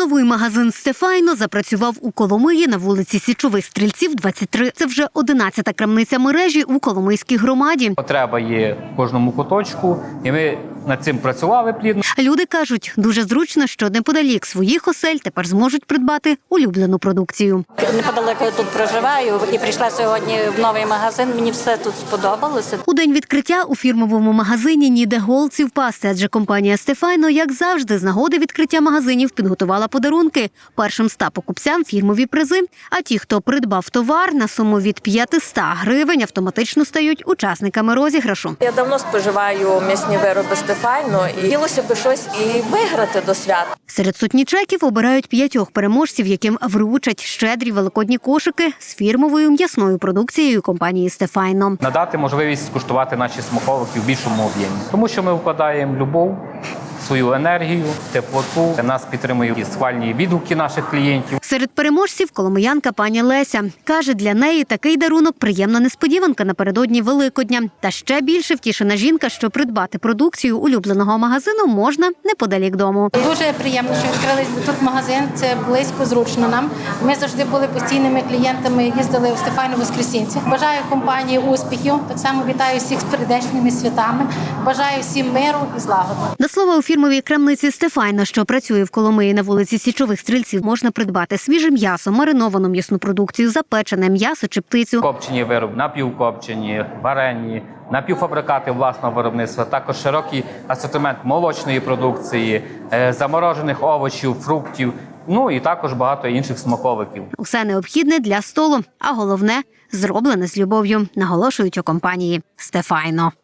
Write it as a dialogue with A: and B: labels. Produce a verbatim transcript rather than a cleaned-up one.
A: Новий магазин «Стефайно» запрацював у Коломиї на вулиці Січових Стрільців, двадцять три. Це вже одинадцята крамниця мережі у Коломийській громаді.
B: Потреба є в кожному куточку, і ми над цим працювали плідно.
A: Люди кажуть, дуже зручно, що неподалік своїх осель тепер зможуть придбати улюблену продукцію.
C: Неподалеку я тут проживаю і прийшла сьогодні в новий магазин. Мені все тут сподобалося.
A: У день відкриття у фірмовому магазині ніде голці впасти, адже компанія «Стефайно», як завжди, з нагоди відкриття магазинів підготувала подарунки. Першим ста покупцям фірмові призи, а ті, хто придбав товар на суму від п'ятисот гривень, автоматично стають учасниками розіграшу.
D: Я давно споживаю м'ясні вироби «Стефайно» і хотілося б щось і виграти до свят.
A: Серед сотні чеків обирають п'ятьох переможців, яким вручать щедрі великодні кошики з фірмовою м'ясною продукцією компанії «Стефайно».
B: Надати можливість скуштувати наші смаковики в більшому об'ємі. Тому що ми вкладаємо любов, свою енергію, теплоту. Нас підтримують і схвальні відгуки наших клієнтів.
A: Серед переможців коломиянка пані Леся. Каже, для неї такий дарунок – приємна несподіванка напередодні Великодня. Та ще більше втішена жінка, що придбати продукцію улюбленого магазину можна неподалік дому.
E: Дуже приємно, що відкрили тут магазин. Це близько, зручно нам. Ми завжди були постійними клієнтами, їздили у «Стефайно» Воскресінці. Бажаю компанії успіхів. Так само вітаю всіх з прийдешніми святами. Бажаю всім миру і злагоди.
A: До слова, у фірмовій крамниці «Стефайно», що працює в Коломиї на вулиці Січових Стрільців, можна придбати свіже м'ясо, мариновану м'ясну продукцію, запечене м'ясо чи птицю.
B: Копчені вироби, напівкопчені, варені, напівфабрикати власного виробництва, також широкий асортимент молочної продукції, заморожених овочів, фруктів, ну і також багато інших смаковиків.
A: Усе необхідне для столу, а головне – зроблене з любов'ю, наголошують у компанії «Стефайно».